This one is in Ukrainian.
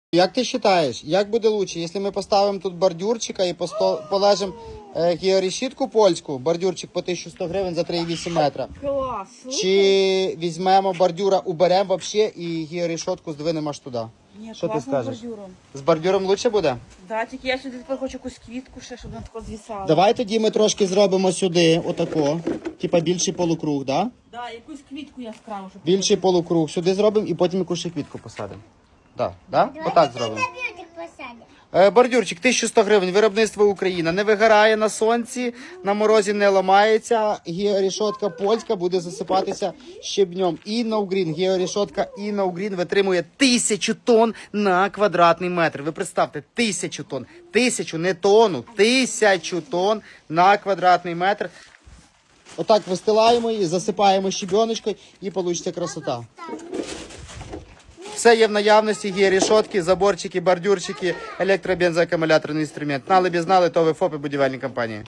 Як ти вважаєш, як буде краще, якщо ми поставимо тут бордюрчика і положимо георішітку польську, бордюрчик по 1100 гривень за 3,8 метра? Клас. Чи візьмемо бордюра, уберемо взагалі і георішотку здвинемо аж туди? Ні, Що ти класно з скажеш? бордюром. З бордюром краще буде? Да, тільки я сюди тепер хочу якусь квітку ще, щоб вона тако звісала. Давай тоді ми трошки зробимо сюди, отако, типа більший полукруг, да? Да, якусь квітку яскраву, щоб... Більший полукруг сюди зробимо і потім якусь ще квітку посадимо. Да, да? Отак зробимо. Бордюрчик 1100 гривень, виробництво Україна. Не вигорає на сонці, на морозі не ламається. Георішотка польська буде засипатися щебнем. Інноугрін, георішотка Інноугрін витримує 1000 тонн на квадратний метр. Ви представте, 1000 тонн. 1000, не тонну, 1000 тонн на квадратний метр. Отак вистилаємо її, засипаємо щебеночкою і вийде красота. Все є в наявності, є рішотки, заборчики, бордюрчики, електробензоакумуляторний інструмент. Знали б знали, то ви ФОПи будівельні компанії.